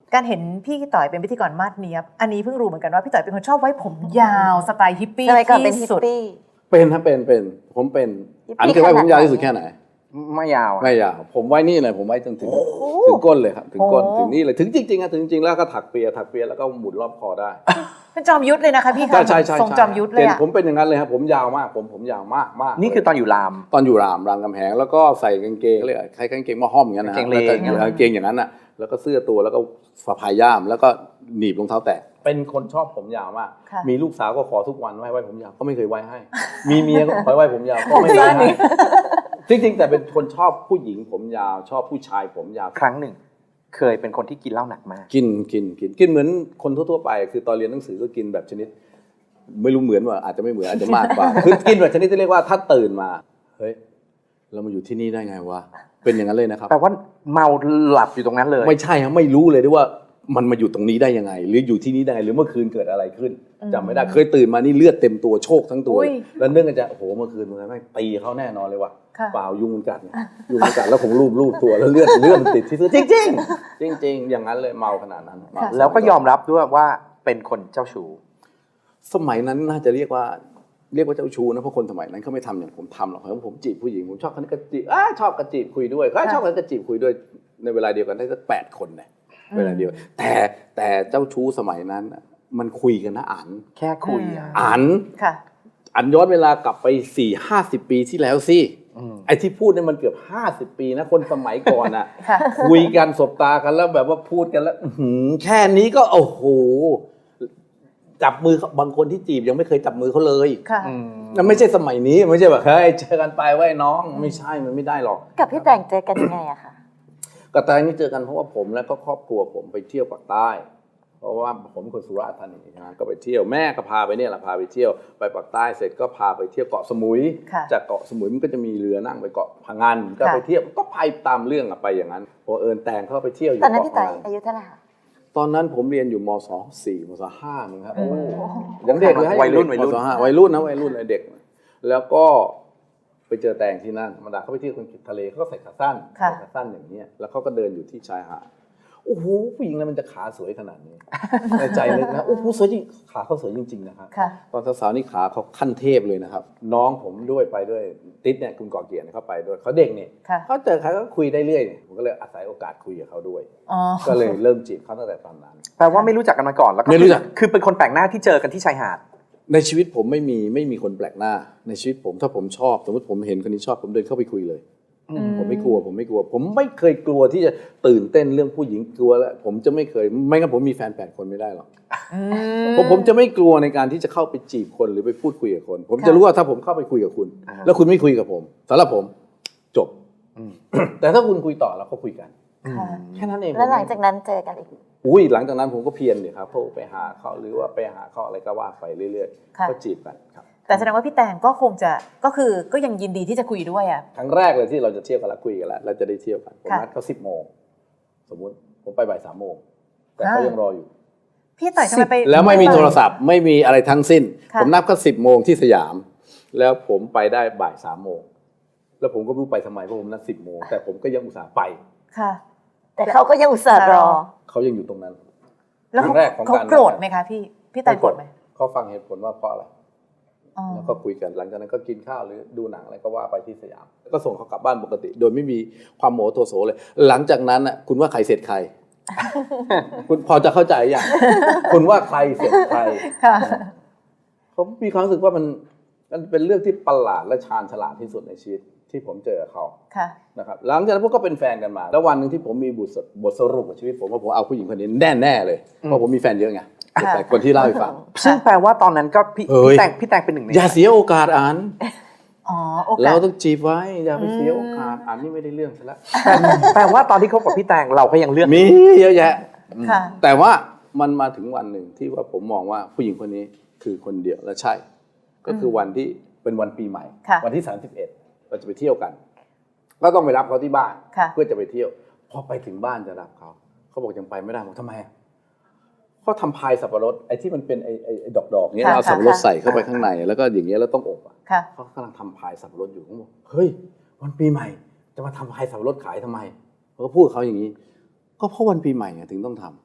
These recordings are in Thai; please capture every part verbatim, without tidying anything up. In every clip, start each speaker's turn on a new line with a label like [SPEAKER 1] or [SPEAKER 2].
[SPEAKER 1] การเห็นพี่ต่อยเป็นพิธีกรมาดเนียบอันนี้เพิ่งรู้เหมือนกันว่าพี่ต่อยเป็นคนชอบไว้ผมยาวสไตล์ฮิปปี้ที่สุด
[SPEAKER 2] เป็นครับเป็นเป็นผมเป็นอันเคยไว้ผมยาวที่สุดแค่ไหน
[SPEAKER 3] ไม่ยาว
[SPEAKER 2] ไม่ยาวผมไว้นี่เลยผมไว้จนถึงถึงก้นเลยครับถึงก้นถึงนี่เลยถึงจริงๆอะถึงจริงๆแล้วก็ถักเปียถักเปียแล้วก็หมุนรอบคอได้
[SPEAKER 1] เป็นจอมยุทธเลยนะคะพี่
[SPEAKER 2] ใช่ใช่ใช่
[SPEAKER 1] ทรงจอมยุทธเลยอะ
[SPEAKER 2] ผมเป็นอย่างนั้นเลยครับผมยาวมากผมผมยาวมากมาก
[SPEAKER 3] นี่คือตอนอยู่ราม
[SPEAKER 2] ตอนอยู่รามรามกำแหงแล้วก็ใส่กางเกงเรียกใครกางเกงมาห้อมอย่างนั้นนะกางเกงอย่างนั้นอะแล้วก็เสื้อตัวแล้วก็สะพายย่ามแล้วก็หนีบรองเท้าแตะเป็นคนชอบผมยาวมากมีลูกสาวก็ขอทุกวันไว้ไว้ผมยาวก็ไม่เคยไว้ให้มีเมียก็ขอไว้ผมยาวก็ไม่เคยให้จริงๆแต่เป็นคนชอบผู้หญิงผมยาวชอบผู้ชายผมยาว
[SPEAKER 3] ครั้งหนึ่งเคยเป็นคนที่กินเหล้าหนักมาก
[SPEAKER 2] กินกินกินกินเหมือนคนทั่วๆไปคือตอนเรียนหนังสือก็กินแบบชนิดไม่รู้เหมือนว่าอาจจะไม่เหมือนอาจจะมากกว่าคือกินแบบชนิดที่เรียกว่าถ้าตื่นมาเฮ้ยเรามาอยู่ที่นี่ได้ไงวะเป็นอย่างนั้นเลยนะครับ
[SPEAKER 3] แปลว่าเมาหลับอยู่ตรงนั้นเลย
[SPEAKER 2] ไม่ใช่ครับไม่รู้เลยด้วยว่ามันมาอยู่ตรงนี้ได้ยังไงหรืออยู่ที่นี่ได้หรือเมื่อคืนเกิดอะไรขึ้นจำไม่ได้เคยตื่นมานี่เลือดเต็มตัวโชคทั้งตัวแล้วเนื่องจากโอ้โหเมื่อคืนมันไม่ตีเขาแน่นอนเลยว่ะเปล่ายุงมันกัดยุงมันกัดแล้วผมรูปรูปตัวแล้วเลือดเลือดมันติดที่เสื้อจริงจริงจริงจริงอย่างนั้นเลยเมาขนาดนั้น
[SPEAKER 3] แล้วก็ยอมรับด้วยว่าเป็นคนเจ้าชู้
[SPEAKER 2] สมัยนั้นน่าจะเรียกว่าเรียกว่าเจ้าชู้นะเพราะคนสมัยนั้นเขาไม่ทำอย่างผมทำหรอกเพราะผมจีบผู้หญิงผมชอบคนนี้ก็จีบชอบกระจีบคุยด้วยเขาชอบคนนี้ก็จีบคุยด้วยในเวลาเดียวกันได้สักแปดคนเนี่ยเวลาเดียวแต่แต่เจ้าชู้สมัยนั้นมันคุยกันนะอ่าน
[SPEAKER 3] แค่คุย
[SPEAKER 2] อ่านอ่านย้อนเวลากลับไปสี่ห้าสิบปีที่แล้วสิไอ้ที่พูดเนี่ยมันเกือบห้าสิบปีนะคนสมัยก่อนอ่ะคุยกันสบตากันแล้วแบบว่าพูดกันแล้วแค่นี้ก็โอ้โหจับมือบางคนที่จีบยังไม่เคยจับมือเขาเลยนั่นไม่ใช่สมัยนี้ไม่ใช่แบบเฮ้ยเจอกันไปไว้น้องไม่ใช่มันไม่ได้หรอก
[SPEAKER 4] กับพี่แต่งเจอกันยังไงอะคะ
[SPEAKER 2] กับแต่นี่เจอกันเพราะว่าผมและก็ครอบครัวผมไปเที่ยวภาคใต้เพราะว่าผมเป็นคนสุราษฎร์ธานีนะก็ไปเที่ยวแม่ก็พาไปเนี่ยแหละพาไปเที่ยวไปภาคใต้เสร็จก็พาไปเที่ยวเกาะสมุยจากเกาะสมุยมันก็จะมีเรือนั่งไปเกาะพังงานก็ไปเที่ยวก็ไปตามเรื่องไปอย่างนั้นพอเอิญแต่งเข้าไปเที่ยวอยู่
[SPEAKER 4] ตอนนั้นพี่ต่อยอายุเท่าไหร่คะ
[SPEAKER 2] ตอนนั้นผมเรียนอยู่มสองสี่มสห้านึงครับโอ้ยังเด็กเลย
[SPEAKER 3] วัยรุ่นวัยรุ่น
[SPEAKER 2] วัยรุ่นนะวัยรุ่นเลยเด็กแล้วก็ไปเจอแตงที่นั่นธรรมดาเขาไปเที่ยวคนทะเลเขาก็ใส่ขาสั้นขาสั้นอย่างนี้แล้วเขาก็เดินอยู่ที่ชายหาดโอ้โหผู้หญิงนั้นมันจะขาสวยขนาดนี้ในใจเลยนะโอ้โหสวยจริงขาเขาสวยจริงๆนะครับตอนสาวๆนี่ขาเขาขั้นเทพเลยนะครับน้องผมด้วยไปด้วยติ๊ดเนี่ยคุณก่อเกียรติเขาไปด้วยเขาเด็กเนี่ยเขาเจอใครก็คุยได้เรื่อยผมก็เลยอาศัยโอกาสคุยกับเขาด้วยก็เลยเริ่มจีบเขาตั้งแต่ตอนนั้น
[SPEAKER 3] แปลว่าไม่รู้จักกันมาก่อนแล้วก็คือเป็นคนแปลกหน้าที่เจอกันที่ชายหาด
[SPEAKER 2] ในชีวิตผมไม่มีไม่มีคนแปลกหน้าในชีวิตผมถ้าผมชอบสมมติผมเห็นคนนี้ชอบผมเดินเข้าไปคุยเลยผมไม่กลัวผมไม่กลัวผมไม่เคยกลัวที่จะตื่นเต้นเรื่องผู้หญิงกลัวแล้วผมจะไม่เคยไม่งั้นผมมีแฟนแปดคนไม่ได้หรอกผมผมจะไม่กลัวในการที่จะเข้าไปจีบคนหรือไปพูดคุยกับคนผมจะรู้ว่าถ้าผมเข้าไปคุยกับคุณแล้วคุณไม่คุยกับผมสำหรับผมจบแต่ถ้าคุณคุยต่อเราก็คุยกันแค่นั้นเอง
[SPEAKER 4] แล้วหลังจากนั้นเจอกันอีก
[SPEAKER 2] อุ้ยหลังจากนั้นผมก็เพียรเลยครับโทรไปหาเขาหรือว่าไปหาเขาอะไรก็ว่าไปเรื่อยๆก็จีบกันครับ
[SPEAKER 1] แต่แสดงว่าพี่แตงก็คงจะก็คือก็ยังยินดีที่จะคุยด้วยอ่ะ
[SPEAKER 2] ครั้งแรกเลยที่เราจะเที่ยวกันแล้วคุยกันแล้วเราจะได้เที่ยวกันผมนัดเขาสิบโมงสมมุติผมไปบ่ายสามโมงแต่เขายังรออยู่
[SPEAKER 1] พี่ต่อยทำไมไป
[SPEAKER 2] แล้วไม่มีโทรศัพท์ไม่มีอะไรทั้งสิ้นผมนัดเขาสิบโมงที่สยามแล้วผมไปได้บ่ายสามโมงแล้วผมก็ไม่รู้ไปทำไมเพราะผมนัดสิบโมงแต่ผมก็ยังอุตส่าห์ไป
[SPEAKER 4] ค่ะแต่เขาก็ยังอุตส่าห์รอ
[SPEAKER 2] เขายังอยู่ตรงนั้น
[SPEAKER 1] แล้วเขาเขาโกรธไหมคะพี่พี่แตงโกรธไหม
[SPEAKER 2] เขาฟังเหตุผลว่าเพราะอะไรแล้วก็คุยกันหลังจากนั้นก็กินข้าวหรือดูหนังอะไรก็ว่าไปที่สยามแล้วก็ส่งเขากลับบ้านปกติโดยไม่มีความโมโหโทโสเลยหลังจากนั้นน่ะคุณว่าใครเสร็จใครคุณพอจะเข้าใจอย่างคุณว่าใครเสร็จใครผมมีความรู้สึกว่ามันมันเป็นเรื่องที่ประหลาดและชาญฉลาดที่สุดในชีวิตที่ผมเจอเขานะครับหลังจากนั้นพวกก็เป็นแฟนกันมาแล้ววันนึงที่ผมมีบทบทสรุปของชีวิตผมว่าผมเอาผู้หญิงคนนี้แน่แน่เลยเพราะผมมีแฟนเยอะไงแต่คนที่เล่าให้ฟัง
[SPEAKER 3] ซึ่งแปลว่าตอนนั้นก็พี่แต่งพี่แต่งเป็นหนึ่งใน
[SPEAKER 2] อย่าเสียโอกาสอ่านเราต้องจีบไว้อย่าไปเสียโอกาสอ่านนี่ไม่ได้เรื่องซะแล้ว
[SPEAKER 3] แปลว่าตอนที่คบกับพี่แต่งเราก็ยังเลือก
[SPEAKER 2] มีเยอะแยะแต่ว่ามันมาถึงวันหนึ่งที่ว่าผมมองว่าผู้หญิงคนนี้คือคนเดียวและใช่ก็คือวันที่เป็นวันปีใหม่วันที่สามสิบเอ็ดเราจะไปเที่ยวกันก็ต้องไปรับเขาที่บ้านเพื่อจะไปเที่ยวพอไปถึงบ้านจะรับเขาเขาบอกยังไปไม่ได้บอกทำไมเขาทำพายสับปะรดไอ้ที่มันเป็นไอ้ไอ้ดอกๆเนี้ยเอาสับปะรดใส่เข้าไปข้างในแล้วก็อย่างเงี้ยแล้วต้องอบอ่ะเขากำลังทำพายสับปะรดอยู่เขาบอกเฮ้ยวันปีใหม่จะมาทำพายสับปะรดขายทำไมเขาก็พูดเขาอย่างนี้ก็เพราะวันปีใหม่ถึงต้องท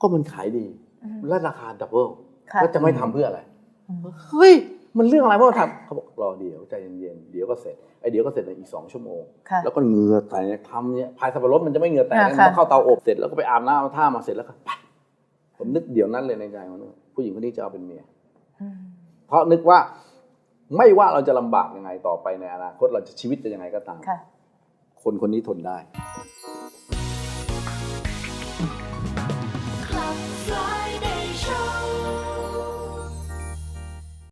[SPEAKER 2] ก็มันขายดีและราคาดับเบิล
[SPEAKER 1] ค่ะ
[SPEAKER 2] แล้วจะไม่ทำเพื่ออะไรเฮ้ยมันเรื่องอะไรเพราะว่าทำเขาบอกรอเดี๋ยวใจเย็นๆเดี๋ยวก็เสร็จไอ้เดี๋ยวก็เสร็จในอีกสองชั่วโมง
[SPEAKER 1] ค่ะ
[SPEAKER 2] แล้วก็เหงื่อแตกทำเนี่ยพายสับปะรดมันจะไม่เหงื่อแตก
[SPEAKER 1] ค่ะ
[SPEAKER 2] มัน
[SPEAKER 1] ค่ะ
[SPEAKER 2] ต้องเข้าเตาอบเสร็จแล้วก็ไปอาบน้ำเอาท่ามาเสร็จแล้วก็ไปผมนึกเดี๋ยวนั้นเลยในใจว่าผู้หญิงคนนี้จะเอาเป็นเมีย
[SPEAKER 1] อืม
[SPEAKER 2] เพราะนึกว่าไม่ว่าเราจะลำบากยังไงต่อไปในอนาคตเราจะชีวิตจะยังไงก็ตาม
[SPEAKER 1] ค่ะ
[SPEAKER 2] คนคนนี้ทนได้